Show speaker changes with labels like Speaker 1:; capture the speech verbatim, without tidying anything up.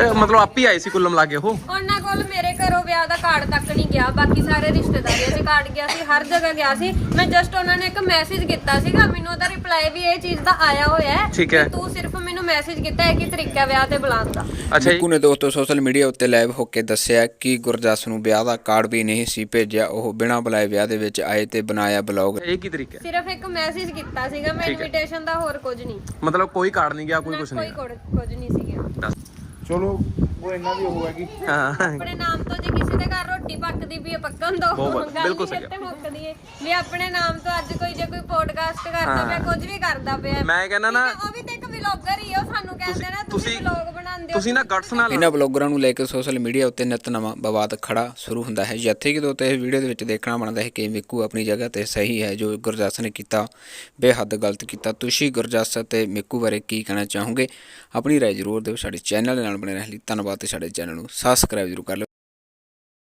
Speaker 1: मतलब आप ही आए सी कुल मिला के ਉਹ
Speaker 2: ਉਹਨਾਂ ਕੋਲ ਮੇਰੇ ਘਰੋਂ ਵਿਆਹ ਦਾ ਕਾਰਡ ਤੱਕ ਨਹੀਂ ਗਿਆ, ਬਾਕੀ ਸਾਰੇ ਰਿਸ਼ਤੇਦਾਰੀਆਂ 'ਚ ਕਾਰਡ ਗਿਆ ਸੀ, ਹਰ ਜਗ੍ਹਾ ਗਿਆ ਸੀ। ਮੈਂ ਜਸਟ ਉਹਨਾਂ ਨੇ ਇੱਕ ਮੈਸੇਜ ਕੀਤਾ ਸੀਗਾ, ਮੈਨੂੰ ਉਹਦਾ ਰਿਪਲਾਈ ਵੀ ਇਹ ਚੀਜ਼ ਦਾ ਆਇਆ ਹੋਇਆ ਹੈ
Speaker 1: ਠੀਕ ਹੈ।
Speaker 2: ਤੂੰ ਸਿਰਫ ਮੈਨੂੰ ਮੈਸੇਜ ਕੀਤਾ ਹੈ ਕਿ ਤਰੀਕਾ ਵਿਆਹ ਤੇ ਬੁਲਾਉਣ ਦਾ।
Speaker 1: ਅੱਛਾ
Speaker 3: ਮਿੱਕੂ ਨੇ ਦੋਸਤੋ ਸੋਸ਼ਲ ਮੀਡੀਆ ਉੱਤੇ ਲਾਈਵ ਹੋ ਕੇ ਦੱਸਿਆ ਕਿ ਗੁਰਜਸ ਨੂੰ ਵਿਆਹ ਦਾ ਕਾਰਡ ਵੀ ਨਹੀਂ ਸੀ ਭੇਜਿਆ, ਉਹ ਬਿਨਾਂ ਬੁਲਾਏ ਵਿਆਹ ਦੇ ਵਿੱਚ ਆਏ ਤੇ ਬਣਾਇਆ ਬਲੌਗ।
Speaker 1: ਇਹ ਕੀ ਤਰੀਕਾ ਹੈ?
Speaker 2: ਸਿਰਫ ਇੱਕ ਮੈਸੇਜ ਕੀਤਾ ਸੀਗਾ ਮੈਂ, ਇਨਵੀਟੇਸ਼ਨ ਦਾ ਹੋਰ ਕੁਝ ਨਹੀਂ,
Speaker 1: ਮਤਲਬ ਕੋਈ ਕਾਰਡ ਨਹੀਂ ਗਿਆ, ਕੋਈ ਕੁਝ
Speaker 2: ਕੋਈ
Speaker 1: ਨਹੀਂ
Speaker 2: ਕੁਝ ਨਹੀਂ ਸੀਗਾ।
Speaker 4: ਚਲੋ ਉਹ ਇਹਨਾਂ ਦੀ ਉਹ ਹੈਗੀ
Speaker 1: ਹਾਂ
Speaker 2: ਆਪਣੇ ਨਾਮ ਤੋਂ ਜੇ ਕਿਸੇ ਦੇ ਘਰ ਰੋਟੀ ਪੱਕਦੀ ਵੀ ਹੈ ਪੱਕਣ ਦੋ,
Speaker 1: ਬਹੁਤ
Speaker 2: ਗੱਲ
Speaker 1: ਬਿਲਕੁਲ
Speaker 2: ਨਹੀਂ
Speaker 1: ਸਹੀ
Speaker 2: ਇੱਥੇ ਮੁੱਕਦੀ ਹੈ ਵੀ ਆਪਣੇ ਨਾਮ ਤੋਂ ਅੱਜ ਕੋਈ ਜੇ ਕੋਈ ਪੋਡਕਾਸਟ ਕਰਦਾ ਪਿਆ, ਕੁਝ ਵੀ ਕਰਦਾ ਪਿਆ,
Speaker 1: ਮੈਂ ਕਹਿੰਦਾ ਨਾ
Speaker 2: ਉਹ ਵੀ ਤੇ ਇੱਕ ਵਲੌਗਰ ਹੀ ਹੈ, ਉਹ ਸਾਨੂੰ ਕਹਿੰਦੇ ਨਾ ਤੁਸੀਂ ਵਲੌਗ ਬਣਾਉਂਦੇ ਹੋ,
Speaker 1: ਤੁਸੀਂ ਨਾ ਗਟਸ ਨਾਲ
Speaker 3: ਇਹਨਾਂ ਬਲੌਗਰਾਂ ਨੂੰ ਲੈ ਕੇ ਸੋਸ਼ਲ ਮੀਡੀਆ ਉੱਤੇ ਨਿਤ ਨਵਾਂ ਵਿਵਾਦ ਖੜਾ ਸ਼ੁਰੂ ਹੁੰਦਾ ਹੈ। ਜਿੱਥੇ ਕਿ ਦੋਸਤੋ ਇਸ ਵੀਡੀਓ ਦੇ ਵਿੱਚ ਦੇਖਣਾ ਬਣਦਾ ਹੈ ਕਿ ਮਿੱਕੂ ਆਪਣੀ ਜਗ੍ਹਾ ਤੇ ਸਹੀ ਹੈ, ਜੋ ਗੁਰਜਸ ਨੇ ਕੀਤਾ ਬੇਹੱਦ ਗਲਤ ਕੀਤਾ। ਤੁਸੀਂ ਗੁਰਜਸ ਅਤੇ ਮਿੱਕੂ ਬਾਰੇ ਕੀ ਕਹਿਣਾ ਚਾਹੋਗੇ? ਆਪਣੀ ਰਾਏ ਜ਼ਰੂਰ ਦਿਓ। ਸਾਡੇ ਚੈਨਲ ਦੇ ਨਾਲ ਬਣੇ ਰਹਿਣ ਲਈ ਧੰਨਵਾਦ ਤੇ ਸਾਡੇ ਚੈਨਲ ਨੂੰ ਸਬਸਕ੍ਰਾਈਬ ਜ਼ਰੂਰ ਕਰ ਲਿਓ।